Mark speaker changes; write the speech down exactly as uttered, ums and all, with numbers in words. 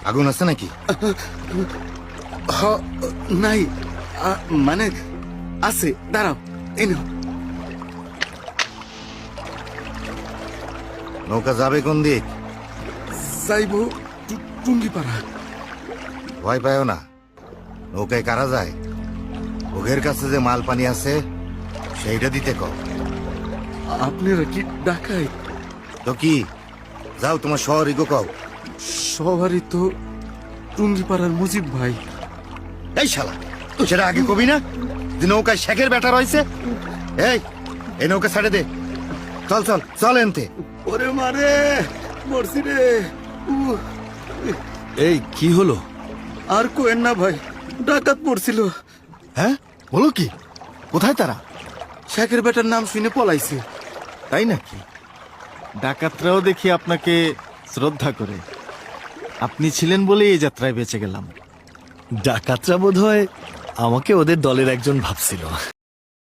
Speaker 1: আগুন আছে নাকি?
Speaker 2: হ, নাই আ, মানে আছে, দাঁড়াও এই নাও।
Speaker 1: নৌকা যাবে কোন দিক?
Speaker 2: যাইবো টু- টুঙ্গিপাড়া।
Speaker 1: ভয় পায় না, নৌকায় কারা যায়? ওঘের কাছে যে মাল পানি আছে সেইটা দিতে কও।
Speaker 2: আপনারা কি ডাকাই?
Speaker 1: তো কি, যাও তোমার শহরে গো কও।
Speaker 2: সবারই তো টুঙ্গিপাড়ার মুজিব ভাই।
Speaker 1: এই শালা, সেটা আগে কবি না যে নৌকায় শেখের ব্যাটা রয়েছে? এই এই নৌকা ছাড়ে দে, চল চল চল এনতে।
Speaker 2: ওরে মারে, মরছি রে। উহ,
Speaker 3: এই কি হলো?
Speaker 2: আর কোয়েন না ভাই, ডাকাত পড়ছিল।
Speaker 3: হ্যাঁ, বলো কি? কোথায় তারা?
Speaker 2: শেখের বেটার নাম শুনে পলাইছে।
Speaker 3: তাই নাকি? ডাকাতরাও দেখি আপনাকে শ্রদ্ধা করে। আপনি ছিলেন বলেই এই যাত্রায় বেঁচে গেলাম।
Speaker 4: ডাকাতরা বোধ হয় আমাকে ওদের দলের একজন ভাবছিল।